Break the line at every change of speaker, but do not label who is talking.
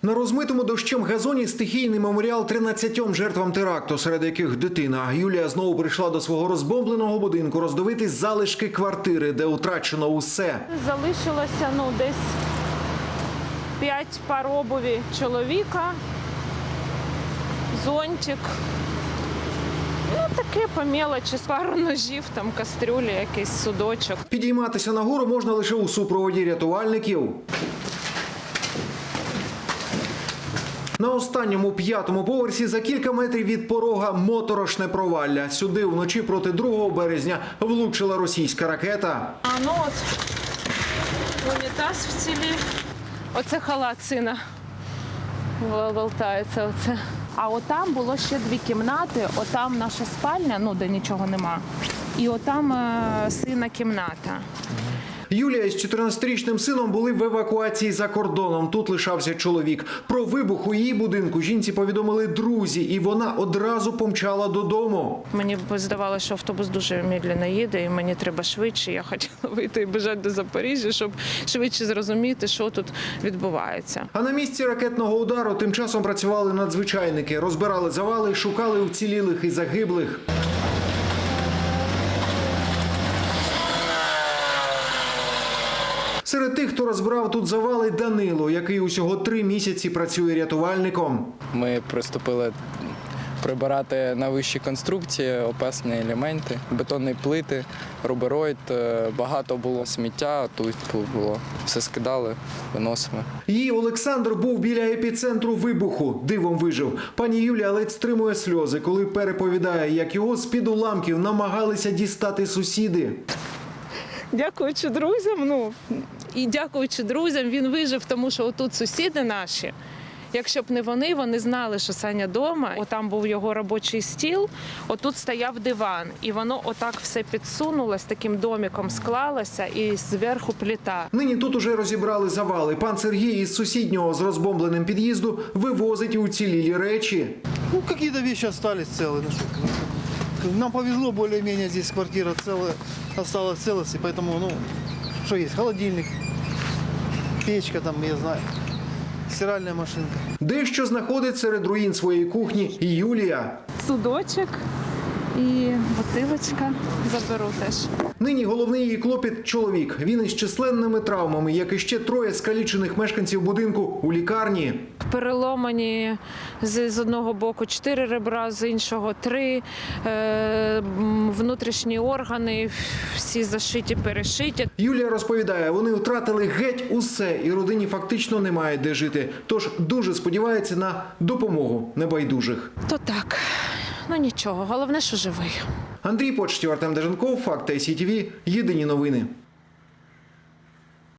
На розмитому дощем газоні стихійний меморіал 13 жертвам теракту, серед яких дитина. Юлія знову прийшла до свого розбомбленого будинку роздивитись залишки квартири, де втрачено усе.
Залишилося десь 5 пар обуві чоловіка, зонтик. Таке по мелочі, пару ножів, кастрюлі, якийсь судочок.
Підійматися нагору можна лише у супроводі рятувальників. На останньому 5-му поверсі за кілька метрів від порога моторошне провалля. Сюди вночі проти 2 березня влучила російська ракета.
Унітаз вцілів. Оце халат сина болтається. А отам було ще 2 кімнати. Отам наша спальня, де нічого нема. І отам сина кімната.
Юлія з 14-річним сином були в евакуації за кордоном. Тут лишався чоловік. Про вибух у її будинку жінці повідомили друзі, і вона одразу помчала додому.
Мені здавалося, що автобус дуже медленно їде, і мені треба швидше. Я хотіла вийти і біжати до Запоріжжя, щоб швидше зрозуміти, що тут відбувається.
А на місці ракетного удару тим часом працювали надзвичайники. Розбирали завали, шукали уцілілих і загиблих. Серед тих, хто розбирав тут завали, Данило, який усього 3 місяці працює рятувальником.
Ми приступили прибирати на вищі конструкції, опасні елементи, бетонні плити, рубероїд. Багато було сміття, тут було. Все скидали, виносимо.
Її Олександр був біля епіцентру вибуху. Дивом вижив. Пані Юлія ледь стримує сльози, коли переповідає, як його з-під уламків намагалися дістати сусіди.
Дякуючи друзям, він вижив, тому що отут сусіди наші. Якщо б не вони знали, що Саня вдома. Отам був його робочий стіл, отут стояв диван. І воно отак все підсунулося, таким домиком склалося і зверху плита.
Нині тут уже розібрали завали. Пан Сергій із сусіднього з розбомбленим під'їзду вивозить уцілілі речі.
Какие-то вещи остались целые. Нам повезло, более-менее здесь квартира целая, осталась в целости, поэтому, что есть, холодильник, печка там, я знаю, стиральная машинка.
Дещо знаходить серед руїн своєї кухні і Юлія.
Судочок і бутилочка заберу теж.
Нині головний її клопіт – чоловік. Він із численними травмами, як і ще 3 скалічених мешканців будинку у лікарні.
Переломані з одного боку 4 ребра, з іншого 3, внутрішні органи, всі зашиті, перешиті.
Юлія розповідає, вони втратили геть усе, і родині фактично немає де жити. Тож дуже сподівається на допомогу небайдужих.
То так, нічого, головне, що живий.
Андрій Почтів, Артем Деженков, Факти ICTV, єдині новини.